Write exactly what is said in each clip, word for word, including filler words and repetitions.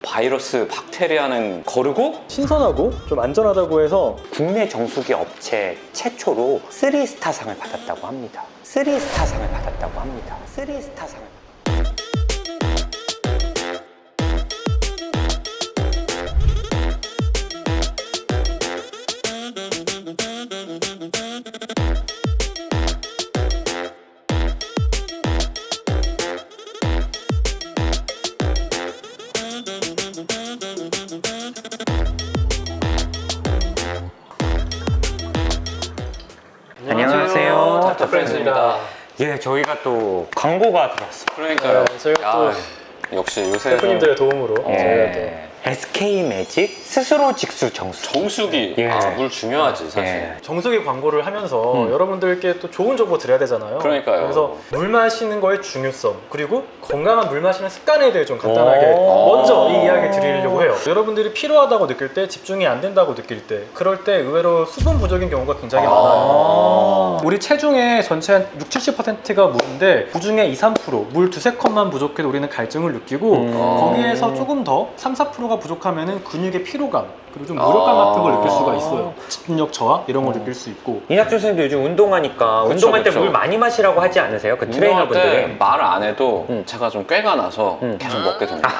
바이러스, 박테리아는 거르고 신선하고 좀 안전하다고 해서 국내 정수기 업체 최초로 쓰리 스타상을 받았다고 합니다. 쓰리 스타상을 받았다고 합니다. 쓰리 스타상을. 안녕하세요. 닥터 프렌즈입니다. 예, 저희가 또 광고가 들어왔습니다. 그러니까요. 네, 저희가 또 야, 역시 요새 대표님들의 도움으로 예. 저희가 또 에스케이 매직 스스로 직수 정수. 정수기. 예. 아, 물 중요하지 사실. 예. 정수기 광고를 하면서 음. 여러분들께 또 좋은 정보 드려야 되잖아요. 그러니까요. 그래서 물 마시는 거의 중요성 그리고 건강한 물 마시는 습관에 대해 좀 간단하게 오. 먼저 이 이야기 드리려고 해요. 여러분들이 필요하다고 느낄 때, 집중이 안 된다고 느낄 때, 그럴 때 의외로 수분 부족인 경우가 굉장히 아. 많아요. 우리 체중의 전체 한 육십, 칠십 퍼센트가 물인데 그 중에 이, 삼 퍼센트 물 두세 컵만 부족해도 우리는 갈증을 느끼고 음. 거기에서 조금 더 삼, 사 퍼센트가 부족하면은 근육의 피로감 그리고 좀 무력감 같은 걸 느낄 수가 있어요. 집중력 저하 이런 걸 느낄 수 있고. 이낙준 선생님도 요즘 운동하니까 그쵸, 운동할 때 그쵸. 물 많이 마시라고 하지 않으세요? 그 운동할 때 트레이너분들이. 말 안 해도 음. 제가 좀 꾀가 나서 음. 계속 먹게 됩니다.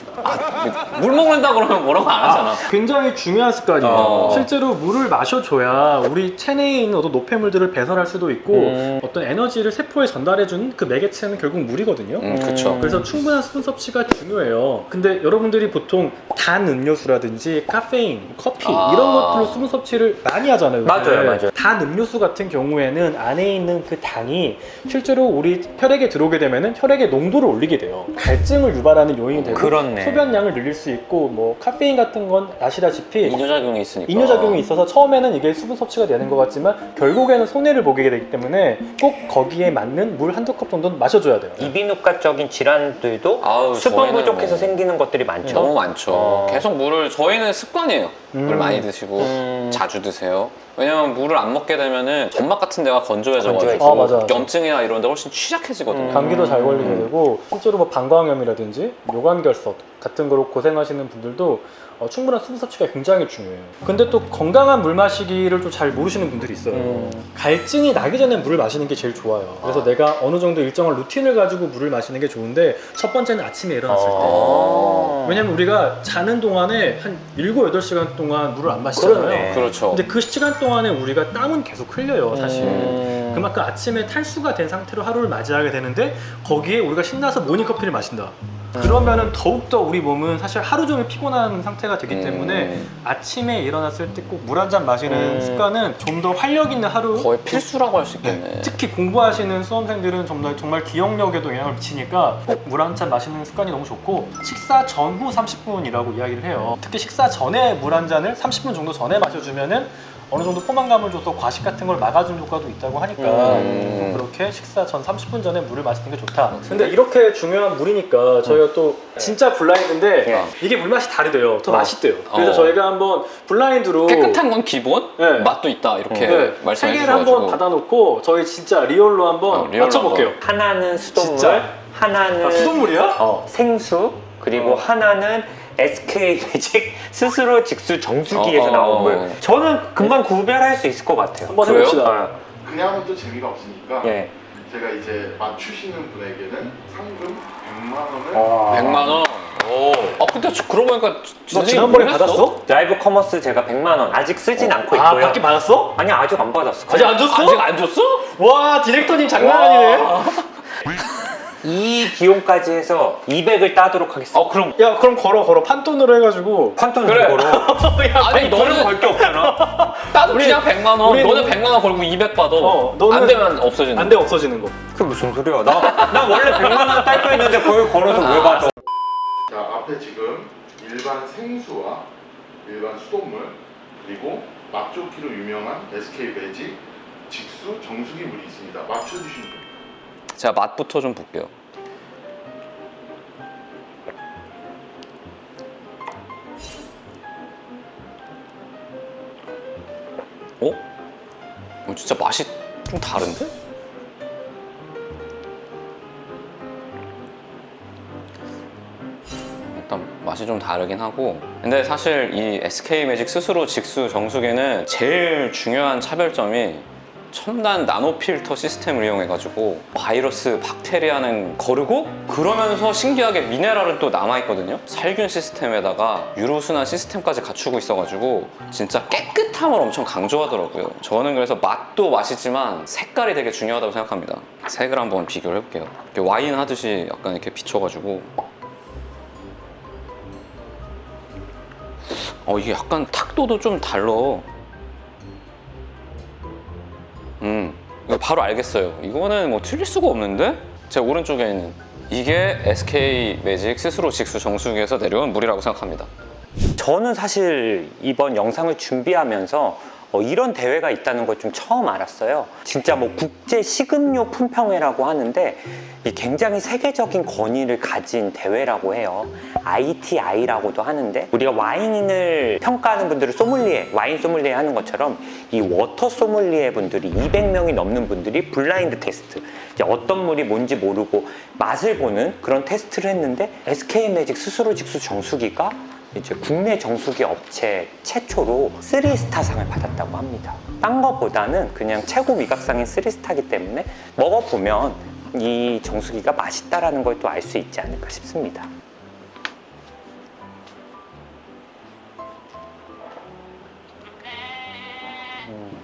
아, 물 먹는다 그러면 뭐라고 안 하잖아. 굉장히 중요한 습관이에요. 어. 실제로 물을 마셔줘야 우리 체내에 있는 어떤 노폐물들을 배설할 수도 있고 음. 어떤 에너지를 세포에 전달해주는 그 매개체는 결국 물이거든요. 음, 그쵸. 그래서 충분한 수분 섭취가 중요해요. 근데 여러분들이 보통 단 음료수라든지 카페인, 커피 아. 이런 것들로 수분 섭취를 많이 하잖아요. 맞아요, 요새. 맞아요. 단 음료수 같은 경우에는 안에 있는 그 당이 실제로 우리 혈액에 들어오게 되면은 혈액의 농도를 올리게 돼요. 갈증을 유발하는 요인이 되고 그렇네. 소변량을 늘릴 수 있고 뭐 카페인 같은 건 아시다시피 이뇨작용이 있으니까. 이뇨작용이 있어서 처음에는 이게 수분 섭취가 되는 것 같지만 결국에는 손해를 보게 되기 때문에 꼭 거기에 맞는 물 한두 컵 정도는 마셔줘야 돼요. 이비인후과적인 질환들도 아우, 수분 저희는 부족해서 뭐 생기는 것들이 많죠. 너무 많죠. 어. 계속 물을 저희는 습관이에요. 물 음. 많이 드시고 음. 자주 드세요. 왜냐면 물을 안 먹게 되면은 점막 같은 데가 건조해져가지고 건조해져. 아, 맞아, 맞아. 염증이나 이런 데 훨씬 취약해지거든요. 음. 감기도 잘 걸리게 음. 되고 실제로 뭐 방광염이라든지 요관결석 같은 거로 고생하시는 분들도 어, 충분한 수분 섭취가 굉장히 중요해요. 근데 또 건강한 물 마시기를 좀 잘 모르시는 분들이 있어요. 음. 갈증이 나기 전에 물을 마시는 게 제일 좋아요. 그래서 아. 내가 어느 정도 일정한 루틴을 가지고 물을 마시는 게 좋은데 첫 번째는 아침에 일어났을 때. 어. 왜냐면 우리가 자는 동안에 한 일곱, 여덟 시간 동안 물을 안 마시잖아요. 그러네. 그렇죠. 근데 그 시간 동안에 우리가 땀은 계속 흘려요, 사실. 음. 그만큼 아침에 탈수가 된 상태로 하루를 맞이하게 되는데 거기에 우리가 신나서 모닝커피를 마신다. 그러면은 더욱더 우리 몸은 사실 하루 종일 피곤한 상태가 되기 음. 때문에 아침에 일어났을 때 꼭 물 한 잔 마시는 음. 습관은 좀 더 활력 있는 하루. 거의 필수라고 할 수 네, 있겠네. 특히 공부하시는 수험생들은 정말, 정말 기억력에도 영향을 미치니까 꼭 물 한 잔 마시는 습관이 너무 좋고 식사 전후 삼십 분이라고 이야기를 해요. 특히 식사 전에 물 한 잔을 삼십 분 정도 전에 마셔주면은 어느 정도 포만감을 줘서 과식 같은 걸 막아주는 효과도 있다고 하니까 음. 꼭 그렇게 식사 전 삼십 분 전에 물을 마시는 게 좋다. 근데 이렇게 중요한 물이니까 저희가 또 진짜 블라인드인데 네. 이게 물맛이 다르대요. 더 어. 맛있대요. 그래서 어. 저희가 한번 블라인드로 깨끗한 건 기본, 네. 맛도 있다 이렇게 네, 세 말씀해 개를 한번 주셔가지고 받아놓고 저희 진짜 리얼로 한번 어, 리얼로 맞춰볼게요. 하나는 수돗물, 진짜? 하나는 아, 수돗물이야? 어, 생수, 그리고 어. 하나는 에스케이 매직 스스로 직수 정수기에서 어, 어, 나온 어. 물. 저는 금방 구별할 수 있을 것 같아요. 한번 그래요? 해봅시다. 어, 그냥 하면 또 재미가 없으니까 예. 제가 이제 맞추시는 분에게는 상금 백만 원을 어. 백만 원. 오. 아 근데 저 그러고 보니까 너 선생님 지난번에 뭐 했어? 받았어? 라이브 커머스 제가 백만 원 아직 쓰진 않고 아, 있고요. 받긴 받았어? 아니 아직 안 받았어. 아직 안 줬어? 아직 안 줬어? 와, 디렉터님 장난 아니네. 이 비용까지 해서 이백을 따도록 하겠습니다. 어 그럼 야, 그럼 걸어, 걸어. 판돈으로 해가지고. 판돈 그래. 그거로. 야, 아니 너는 걸게 없잖아. 나도 우리- 그냥 백만 원. 우리 너는 너무- 백만 원 걸고 이백 받아. 어, 너는- 안 되면 없어지는. 안 돼, 없어지는 거. 그 무슨 소리야? 나, 나 원래 백만 원 딸 거 있는데 그걸 걸어서 왜 받아? 자, 앞에 지금 일반 생수와 일반 수돗물 그리고 맛 좋기로 유명한 에스케이 매직 직수 정수기 물이 있습니다. 맞춰주시면 됩니다. 제가 맛부터 좀 볼게요. 어? 어, 진짜 맛이 좀 다른데? 일단 맛이 맛이 좀 다르긴 하고, 근데 사실 이 에스케이 매직 스스로 직수 정수기는 제일 중요한 차별점이 첨단 나노 필터 시스템을 이용해가지고 바이러스, 박테리아는 거르고 그러면서 신기하게 미네랄은 또 남아있거든요. 살균 시스템에다가 유로순환 시스템까지 갖추고 있어가지고 진짜 깨끗함을 엄청 강조하더라고요. 저는 그래서 맛도 맛이지만 색깔이 되게 중요하다고 생각합니다. 색을 한번 비교를 해볼게요. 이렇게 와인 하듯이 약간 이렇게 비춰가지고 어 이게 약간 탁도도 좀 달라. 음, 이거 바로 알겠어요. 이거는 뭐 틀릴 수가 없는데? 제 오른쪽에 있는 이게 에스케이 매직 스스로 직수 정수기에서 내려온 물이라고 생각합니다. 저는 사실 이번 영상을 준비하면서 어, 이런 대회가 있다는 걸 좀 처음 알았어요. 진짜 뭐 국제 식음료 품평회라고 하는데 이 굉장히 세계적인 권위를 가진 대회라고 해요. 아이티아이라고도 하는데 우리가 와인을 평가하는 분들을 소믈리에, 와인 소믈리에 하는 것처럼 이 워터 소믈리에 분들이 이백 명이 넘는 분들이 블라인드 테스트, 이제 어떤 물이 뭔지 모르고 맛을 보는 그런 테스트를 했는데 에스케이 매직 스스로 직수 정수기가 이제 국내 정수기 업체 최초로 쓰리 스타상을 받았다고 합니다. 딴 거보다는 그냥 최고 위각상인 쓰리 스타이기 때문에 먹어보면 이 정수기가 맛있다라는 걸 또 알 수 있지 않을까 싶습니다. 음.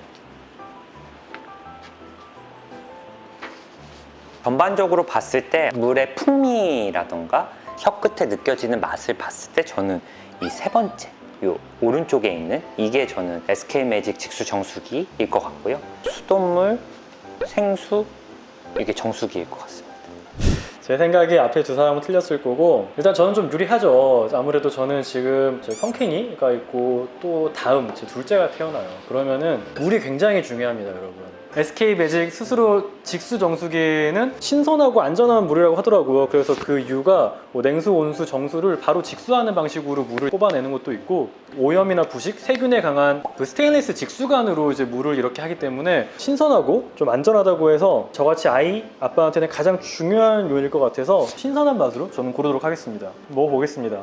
전반적으로 봤을 때 물의 풍미라던가 혀 끝에 느껴지는 맛을 봤을 때 저는 이 세 번째, 요 오른쪽에 있는 이게 저는 에스케이 매직 직수 정수기일 것 같고요. 수돗물, 생수, 이게 정수기일 것 같습니다. 제 생각에 앞에 두 사람은 틀렸을 거고, 일단 저는 좀 유리하죠. 아무래도 저는 지금 제 펑케니가 있고 또 다음 제 둘째가 태어나요. 그러면은 물이 굉장히 중요합니다, 여러분. 에스케이 매직 스스로 직수 정수기는 신선하고 안전한 물이라고 하더라고요. 그래서 그 이유가 뭐 냉수, 온수, 정수를 바로 직수하는 방식으로 물을 뽑아내는 것도 있고, 오염이나 부식, 세균에 강한 그 스테인리스 직수관으로 이제 물을 이렇게 하기 때문에 신선하고 좀 안전하다고 해서 저같이 아이, 아빠한테는 가장 중요한 요인일 것 같아서 신선한 맛으로 저는 고르도록 하겠습니다. 먹어보겠습니다.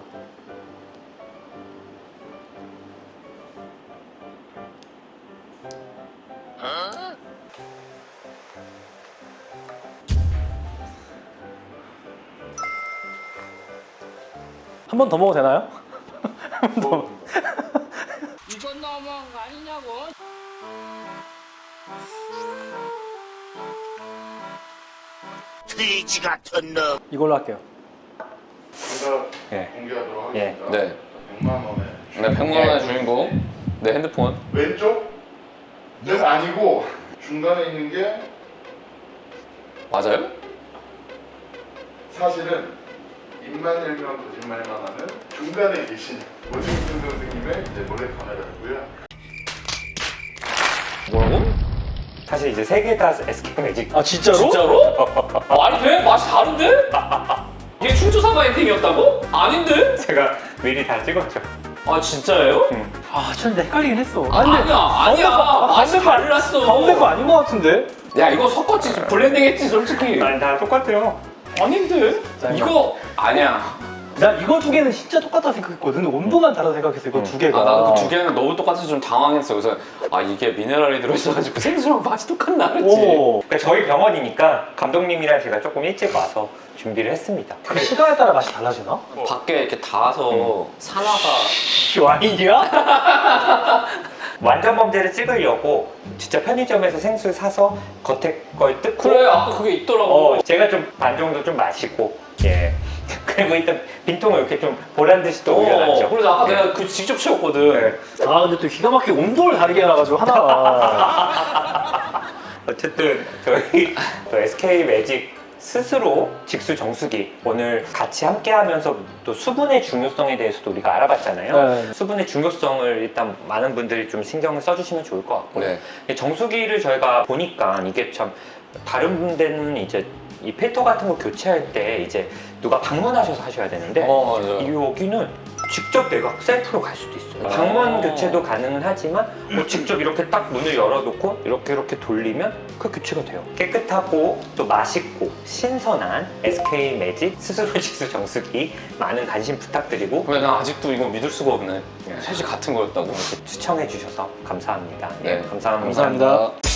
한 번 더 먹어도 되나요? 한 번 더. 이건 너무한 거 아니냐고. 돼지 같은 놈. 이걸로 할게요. 정답 예. 공개하도록 예. 하겠습니다. 네. 백만 원에 네, 백만 원의 주인공. 네, 핸드폰. 왼쪽? 는 아니고 중간에 있는 게 맞아요? 사실은 입만 열면 거짓말만 하는 중간에 계신 오승준 선생님의 이제 몰래 카메라고요. 뭐라고? 사실 이제 세 개 다 에스케이 매직. 아 진짜로? 진짜로? 말이 돼? 맛이 다른데? 이게 충주사과 엔딩이었다고? 아닌데? 제가 미리 다 찍었죠. 아 진짜예요? 아 진짜 헷갈리긴 했어. 아, 아니야 아니야 맛이 달랐어. 가운데 거 아닌 것 같은데? 야 이거 섞었지, 블렌딩 했지 솔직히. 아니 다 똑같아요. 아닌데? 자, 이거 아니야. 난 이거 두 개는 진짜 똑같다 생각했거든. 근데 온도만 다르다 생각했어. 이거 음. 두 개가. 아 나도 그 두 개는 너무 똑같아서 좀 당황했어. 그래서 아 이게 미네랄이 들어있어가지고 생수랑 맛이 똑같나 그랬지. 오. 그러니까 저희 병원이니까 감독님이랑 제가 조금 일찍 와서 준비를 했습니다. 그 시간에 따라 맛이 달라지나? 밖에 이렇게 닿아서 산화가 와인이야? 완전 범죄를 찍으려고 진짜 편의점에서 생수 사서 겉에 걸 뜯고 그래 아까 그게 있더라고. 어, 제가 좀 반 정도 좀 마시고 예 그리고 일단 빈통을 이렇게 좀 보란 듯이 또 올려놨죠. 어, 그래서 아까 예. 내가 그 직접 채웠거든. 네. 아 근데 또 기가 막히게 온도를 다르게 해놔가지고 하나가. 어쨌든 저희 또 에스케이 매직 스스로 직수 정수기 오늘 같이 함께 하면서 또 수분의 중요성에 대해서도 우리가 알아봤잖아요. 네. 수분의 중요성을 일단 많은 분들이 좀 신경을 써주시면 좋을 것 같고요. 네. 정수기를 저희가 보니까 이게 참 다른 데는 이제 이 필터 같은 거 교체할 때 이제 누가 방문하셔서 하셔야 되는데 어 맞아. 이 여기는 직접 내가 셀프로 갈 수도 있어요. 아. 방문 교체도 가능은 하지만 뭐 직접 이렇게 딱 문을 열어놓고 이렇게 이렇게 돌리면 그 교체가 돼요. 깨끗하고 또 맛있고 신선한 에스케이 매직 스스로 직수 정수기 많은 관심 부탁드리고 근데 나 아직도 이거 믿을 수가 없네. 셋이 같은 거였다고. 추천해 주셔서 감사합니다. 네. 감사합니다. 감사합니다.